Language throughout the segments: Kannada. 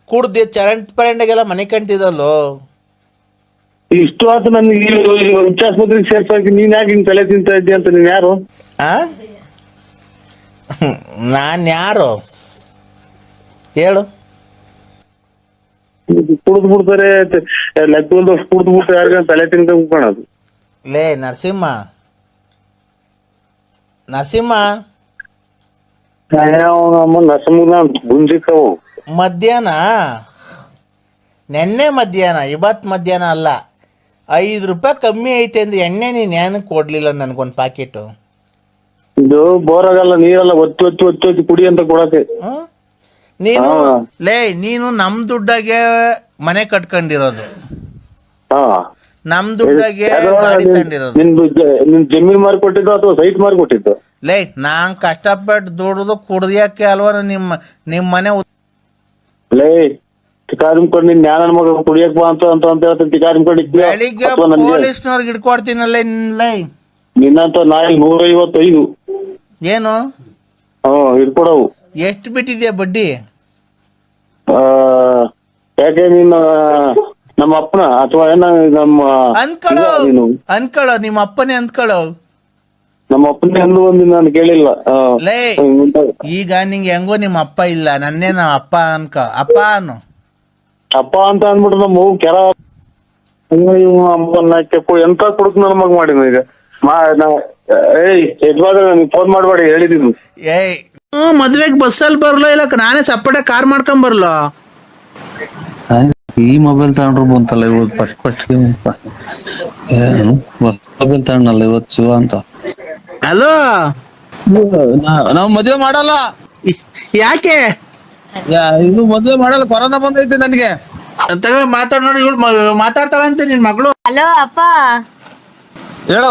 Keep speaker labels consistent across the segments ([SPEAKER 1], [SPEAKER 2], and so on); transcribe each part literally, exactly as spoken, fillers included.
[SPEAKER 1] ಕುಡ್ದು ಚರಂಟ್ ಪರಂಡೆಗೆಲ್ಲ ಮನೆ ಕಂಟಿದಲ್ಲೋ.
[SPEAKER 2] ಇಷ್ಟು ಆತು ನನ್ಗೆ ಉಚ್ಚಾಸ್ಪತ್ರೆಗೆ ಸೇರ್ಸಾಕಿ ನೀನ್ ಯಾಕೆ ಹಿಂಗ್ ತಲೆ ತಿಂತ ಇದ್ದೆ ಅಂತ. ನೀನ್ ಯಾರು?
[SPEAKER 1] ಆ ನಾನ್ ಯಾರು ಹೇಳು?
[SPEAKER 2] ಕುಡ್ದು ಬಿಡ್ತಾರೆ ಲೆಕ್ಕದ ಕುಡ್ದು ಬಿಟ್ಟು ಯಾರಿಗ ತಲೆ ತಿನ್ಕೊಂಡ್ ಕಾಣೋದು.
[SPEAKER 1] ಲೇ ನರಸಿಂಹ ನರಸಿಂಹ
[SPEAKER 2] ನಮ್ಮ ನರಸಿಂಹನ ಗುಂಜಿಕ್ಕವು
[SPEAKER 1] ಮಧ್ಯಾಹ್ನ ನೆನ್ನೆ ಮಧ್ಯಾಹ್ನ ಇವತ್ತು ಮಧ್ಯಾಹ್ನ ಅಲ್ಲ, ಐದು ರೂಪಾಯಿ ಕಮ್ಮಿ ಐತೆ ಅಂದ್ರೆ ಎಣ್ಣೆ ನೀನು ಏನಕ್ಕೆ ಕೊಡ್ಲಿಲ್ಲ ನನಗೊಂದು ಪ್ಯಾಕೆಟು?
[SPEAKER 2] ಇದು ಬೋರ್ ಆಗಲ್ಲ, ನೀರೆಲ್ಲ ಒತ್ತಿ ಒತ್ತಿ ಒತ್ತಿ ಒತ್ತಿ ಕುಡಿ ಅಂತ ಕೊಡಕ್ಕೆ.
[SPEAKER 1] ನೀನು ಲೇ ನೀನು ನಮ್ಮ ದುಡ್ಡಾಗೆ ಮನೆ ಕಟ್ಕೊಂಡಿರೋದು, ನಮ್ ದುಡ್ಡಾಗೆ ಗಾಡಿ ತಗೊಂಡಿರೋದು.
[SPEAKER 2] ನಿನ್ ಜಮೀನ್ ಮಾರಿ ಕೊಟ್ಟಿದ್ದು ಅಥವಾ ಸೈಟ್ ಮಾರಿ ಕೊಟ್ಟಿದ್ದು?
[SPEAKER 1] ಲೇ ನಾನ್ ಕಷ್ಟಪಟ್ಟು ದುಡ್ದು ಕುಡ್ದಿಯಕ್ಕೆ ಅಲ್ವಾ ನಿಮ್ಮ ನಿಮ್ ಮನೆ.
[SPEAKER 2] ಲೇ ಟಿಕಾರಿಮ್ಕೊಂಡು ನಿನ್ ಜ್ಞಾನ ಮಗ ಕುಡಿಯಕ್ ಬಾ ಅಂತ ಅಂತ ಅಂತ ಹೇಳ್ತೀನಿ. ಟಿಕಾರಿಮ್ಕೊಂಡು
[SPEAKER 1] ಬೆಳಿಗ್ಗೆ ಪೊಲೀಸ್ನವ್ರಿಗೆ ಹಿಡ್ಕೊಡ್ತೀನಲ್ಲ ಲೇ.
[SPEAKER 2] ನಿನ್ನಂತ ನಾಯಿ ನೂರ ಐವತ್ತೈದು
[SPEAKER 1] ಏನು
[SPEAKER 2] ಹ್ಮ್ ಹಿಡ್ಕೊಡವು.
[SPEAKER 1] ಎಷ್ಟು ಬಿಟ್ಟಿದ್ಯಾ ಬಡ್ಡಿ?
[SPEAKER 2] ಆ ಯಾಕೆ ನೀನ್ ನಮ್ಮ ಅಪ್ಪನ ಅಥವಾ ಏನ ನಮ್ಮ
[SPEAKER 1] ಅನ್ಕೊಳ್ಳೋ ಅನ್ಕೊಳ್ಳೋ ನಿಮ್ಮ ಅಪ್ಪನೇ ಅನ್ಕೊಳ್ಳೋ.
[SPEAKER 2] ನಮ್ಮ ಅಪ್ಪನೇ ಅಂದು ಒಂದು ನಾನು ಕೇಳಿಲ್ಲ.
[SPEAKER 1] ಲೇ ಈಗ ನಿಂಗೆ ಹೆಂಗೋ ನಿಮ್ಮ ಅಪ್ಪ ಇಲ್ಲ, ನನ್ನೇ ನಮ್ಮ ಅಪ್ಪ ಅನ್ಕ ಅಪ್ಪ ಅನ್ನು
[SPEAKER 2] ಅಪ್ಪ ಅಂತ ಅಂದ್ಬಿಟ್ಟು ನಮ್ಮ ಕೆರ ಅಮ್ಮನ್ನ ಕೆಪ್ಪು ಎಂತ ಕುಡುಕ್ ನನ್ನ ಮಗ ಮಾಡಿದ್ನು ಈಗ. ಏಯ್ ಯಜಮಾನ ನೀನ್ ಫೋನ್ ಮಾಡ್ಬೇಡಿ ಹೇಳಿದೀನಿ.
[SPEAKER 1] ಏಯ್ ಮದ್ವೆಗ್ ಬಸ್ಸಲ್ಲಿ ಬರ್ಲೋ ಇಲ್ಲ ನಾನೇ ಸಪ್ರೇಟ್ ಕಾರ್ ಮಾಡ್ಕೊಂಡ್ ಬರ್ಲೋ?
[SPEAKER 3] ಈ ಮೊಬೈಲ್ ತಗೊಂಡ್ರು ಬಂತಲ್ಲ ಇವತ್ತು ಫಸ್ಟ್ ಫಸ್ಟ್ ಮೊಬೈಲ್ ತಗೊಂಡಲ್ಲ ಇವತ್ತು ಶಿವ ಅಂತ.
[SPEAKER 1] ಹಲೋ
[SPEAKER 3] ನಾವ್ ಮದ್ವೆ ಮಾಡಲ್ಲ.
[SPEAKER 1] ಯಾಕೆ?
[SPEAKER 3] ಇದು ಮದ್ವೆ ಮಾಡಲ್ಲ, ಕೊರೋನಾ ಬಂದೈತೆ ನನಗೆ.
[SPEAKER 1] ತಗ ಮಾತಾಡ್ ನೋಡಿ, ಇವಳು ಮಾತಾಡ್ತಾಳಂತೆ ನಿನ್ ಮಗಳು.
[SPEAKER 4] ಹಲೋ ಅಪ್ಪ.
[SPEAKER 3] ಹೇಳೋ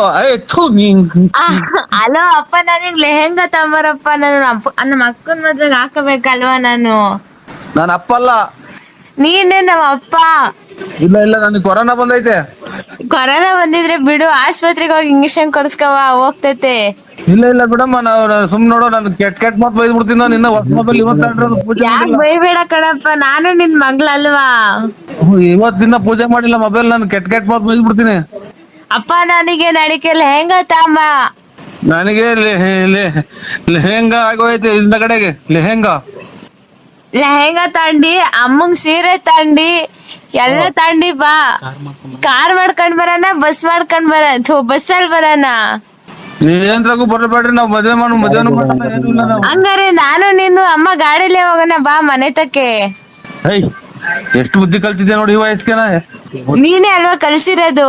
[SPEAKER 4] ಹಲೋ ಅಪ್ಪ, ನನಗ್ ಲೆಹೆಂಗಾ ತಗೊಂಬರಪ್ಪ. ನಾನು ನಮ್ಮ ಅಕ್ಕನ ಮದ್ವೆಗೆ ಹಾಕಬೇಕಲ್ವಾ ನಾನು.
[SPEAKER 3] ನಾನು ಅಪ್ಪ ಅಲ್ಲ.
[SPEAKER 4] ನೀನೇ ನಮ್ಮ ಅಪ್ಪ.
[SPEAKER 3] ಇಲ್ಲ ಇಲ್ಲ ನನಗೆ ಕೊರೋನಾ ಬಂದೈತೆ.
[SPEAKER 4] ಕೊರೋನಾ ಬಂದಿದ್ರೆ ಬಿಡು, ಆಸ್ಪತ್ರೆಗೆ ಹೋಗಿ ಇಂಜೆಕ್ಷನ್ ಕೊಡ್ಸ್ಕವ ಹೋಗ್ತೈತೆ.
[SPEAKER 3] ಇಲ್ಲ ಇಲ್ಲ ಬಿಡಮ್ಮ, ನಾವು ಸುಮ್ ನೋಡೋ ನಾನು ಕೆಟ್ಟ ಕೆಟ್ಟ ಮಾತು ಬೈದ್ ಬಿಡ್ತೀನಿ. ನಿನ್ನ ಹೊಸ ಮೊಬೈಲ್ ಇವತ್ತು
[SPEAKER 4] ಯಾಕೆ ಬೈಬೇಡ ಕಣಪ್ಪ, ನಾನು ನಿನ್ ಮಗ್ಳಲ್ವಾ?
[SPEAKER 3] ಇವತ್ ದಿನ ಪೂಜೆ ಮಾಡಿಲ್ಲ ಮೊಬೈಲ್, ನಾನು ಕೆಟ್ಟ ಕೆಟ್ಟ ಮಾತು ಬೈದ್ ಬಿಡ್ತೀನಿ.
[SPEAKER 4] ಅಪ್ಪ ನನಗೆ ನಡಿಕೆ ಲೆಹೆಂಗಾ ತಾಂಬ.
[SPEAKER 3] ನನಗೆ ಲೆಹೆಂಗಾ ಆಗೋಯ್ತು ಇಂದ ಕಡೆಗೆ. ಲೆಹೆಂಗಾ
[SPEAKER 4] ಲೆಹೆಂಗಾ ತಂಡಿ, ಅಮ್ಮಂಗ್ ಸೀರೆ ತಂಡಿ, ಎಲ್ಲ ತಂಡಿ ಬಾ. ಕಾರ್ ಮಾಡ್ಕೊಂಡ್ ಬರೋಣ, ಬಸ್ ಮಾಡ್ಕೊಂಡ್ ಬರ ಬಸ್ಸಲ್ಲಿ ಬರೋಣ.
[SPEAKER 3] ನೀವೇಂದ್ರಾಗೂ ಬರಬೇಡ್ರಿ, ನಾವ್ ಮದ್ವೆ ಮಾಡು ಮದ್ವೆನೂ ಮಾಡೋಣ.
[SPEAKER 4] ಹಂಗಾರೆ ನಾನು ನೀನು ಅಮ್ಮ ಗಾಡಿಲೇ ಹೋಗೋಣ ಬಾ ಮನೆ ತಕ್ಕೆ.
[SPEAKER 3] ಎಷ್ಟು ಬುದ್ಧಿ ಕಲ್ತಿದ್ದೆ ನೋಡಿ ಈ ವಯಸ್ಸಿಗೆ.
[SPEAKER 4] ನೀನೇ ಅಲ್ವಾ ಕಲ್ಸಿರೋದು.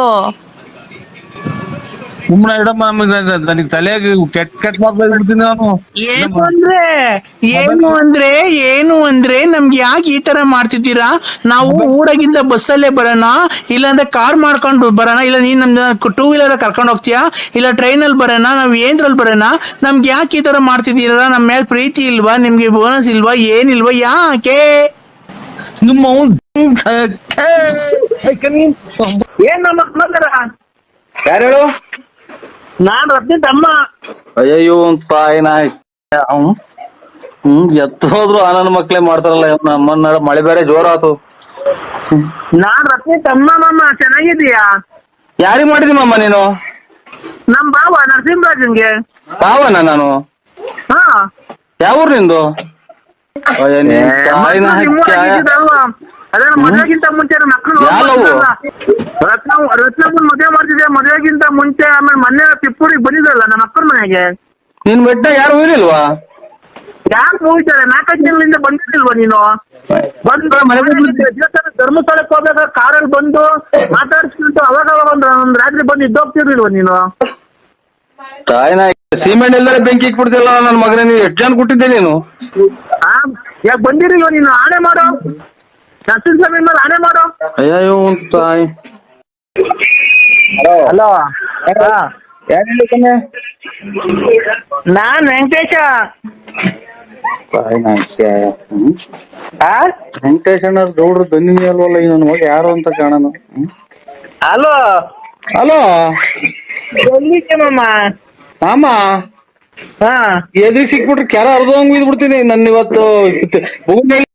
[SPEAKER 3] ಸುಮ್ಮನೆ ಇಡಮ್ಮ, ನನಗೆ ತಲೆಗೆ ಕೆಟ್ಟ ಕೆಟ್ಟ ಮಾತು ಬೈದ್ಬಿಡ್ತೀನಿ ನಾನು.
[SPEAKER 1] ಏನು ಅಂದ್ರೆ ಏನು ಅಂದ್ರೆ ಏನು ಅಂದ್ರೆ ನಮ್ಗೆ ಯಾಕೆ ಈ ತರ ಮಾಡ್ತಿದ್ದೀರಾ? ನಾವು ಊರಾಗಿಂದ ಬಸ್ಸಲ್ಲೇ ಬರೋಣ, ಇಲ್ಲಾಂದ್ರೆ ಕಾರ್ ಮಾಡ್ಕೊಂಡು ಬರೋಣ, ಇಲ್ಲ ನೀನ್ ನಮ್ದು ಟೂ ವೀಲರ್ ಕರ್ಕೊಂಡು ಹೋಗ್ತೀಯಾ, ಇಲ್ಲ ಟ್ರೈನಲ್ಲಿ ಬರೋಣ, ನಾವ್ ಏನ್ರಲ್ಲಿ ಬರೋಣ? ನಮ್ಗೆ ಯಾಕೆ ಈ ತರ ಮಾಡ್ತಿದ್ದೀರಾ? ನಮ್ಮ ಮೇಲೆ ಪ್ರೀತಿ ಇಲ್ವಾ ನಿಮ್ಗೆ? ಬೋನಸ್ ಇಲ್ವಾ? ಏನಿಲ್ವಾ? ಯಾಕೆ?
[SPEAKER 2] ಯಾರು ಹೇಳು?
[SPEAKER 1] ನಾನ್ ರತ್ನಿ ತಮ್ಮ.
[SPEAKER 2] ಅಯ್ಯೋ ತಾಯಿನ ಹ್ಮ್ ಎತ್ತು ಹೋದ್ರು ಆನಂದ್ ಮಕ್ಳೇ ಮಾಡ್ತಾರಲ್ಲ. ನಮ್ಮನ್ನ ಮಳೆ ಬೇರೆ ಜೋರ ಆತು.
[SPEAKER 1] ನಾನ್ ರತ್ನಿ ತಮ್ಮ. ಮಾಮ ಚೆನ್ನಾಗಿದೀಯಾ?
[SPEAKER 2] ಯಾರಿಗ್ ಮಾಡಿದಿ ಮಾಮ ನೀನು?
[SPEAKER 1] ನಮ್ ಬಾವ ನರಸಿಂಹರಾಜನ್ಗೆ.
[SPEAKER 2] ಬಾವನ ನಾನು?
[SPEAKER 1] ಹಾ.
[SPEAKER 2] ಯಾವ ಊರ್ ನಿಂದು?
[SPEAKER 1] ಅದೇ ಮದ್ವೆಗಿಂತ ಮುಂಚೆ ಮಕ್ಕಳು ರತ್ನ ರತ್ನಪ್ಪನ್ ಮದ್ವೆ ಮಾಡ್ತಿದ್ದೆ. ಮದ್ವೆಗಿಂತ ಮುಂಚೆ ಆಮೇಲೆ ಮೊನ್ನೆ ತಿಪ್ಪೂರಿಗೆ ಬಂದಿದ್ರಲ್ಲ ನಮ್ಮ ಅಕ್ಕನ ಮನೆಗೆ.
[SPEAKER 2] ನಿನ್ ಬೆಟ್ಟ ಯಾರು ಹೋಗಿಲ್ವಾ?
[SPEAKER 1] ಯಾರು ಹೋಗ್ತಾರೆ? ನಾಲ್ಕೈದು ತಿಂಗಳಿಂದ ಬಂದಿರ್ಲಿಲ್ವಾ ನೀನು? ಬಂದು ಧರ್ಮಸ್ಥಳಕ್ಕೆ ಹೋಗ್ಬೇಕಾದ್ರೆ ಕಾರಲ್ಲಿ ಬಂದು ಮಾತಾಡಿಸ್ಬಿಟ್ಟು ಅವಾಗ ಅವಾಗ ಒಂದು ಒಂದ್ ರಾತ್ರಿ ಬಂದು ಇದ್ದೋಗ್ತಿರ್ಲಿಲ್ವಾ ನೀನು?
[SPEAKER 2] ತಾಯಿನ ಸಿಮೆಂಟ್ ಎಲ್ಲಾರ ಬೆಂಕಿ ಇಕ್ಬಿಡ್ತಿಲ್ಲ ನನ್ನ ಮಗನೇ. ನೀನು ಎಷ್ಟು ಜನ ಕೊಟ್ಟಿದ್ದೆ ನೀನು?
[SPEAKER 1] ಹಾ ಯಾಕೆ ಬಂದಿರಲಿಲ್ವ ನೀನು? ಆಣೆ ಮಾಡೋ, ನರಸಿಂಹ ಸ್ವಾಮಿ ಮೇಲೆ ಆಣೆ ಮಾಡೋ.
[SPEAKER 2] ಅಯ್ಯೋ ತಾಯಿ.
[SPEAKER 1] ಹಲೋ,
[SPEAKER 2] ಯಾರು?
[SPEAKER 1] ನಾನ್ ವೆಂಕಟೇಶ.
[SPEAKER 2] ವೆಂಕಟೇಶ್ ಅಣ್ಣ ಗೌಡ್ರು ದನ್ನಿ ಅಲ್ವಲ್ಲ ಈ ನನ್ನ ಮಗ ಯಾರು ಅಂತ ಕಾಣನು.
[SPEAKER 1] ಹಲೋ
[SPEAKER 2] ಹಲೋ,
[SPEAKER 1] ಎಲ್ಲಿದ್ದೆ ಮಾಮ?
[SPEAKER 2] ಮಾಮ
[SPEAKER 1] ಹಾ
[SPEAKER 2] ಎದುರು ಸಿಕ್ಬಿಟ್ರೆ ಕೆರ ಅರ್ಧಂಗ್ ಬಿದ್ಬಿಡ್ತೀನಿ. ನನ್ನ ಇವತ್ತು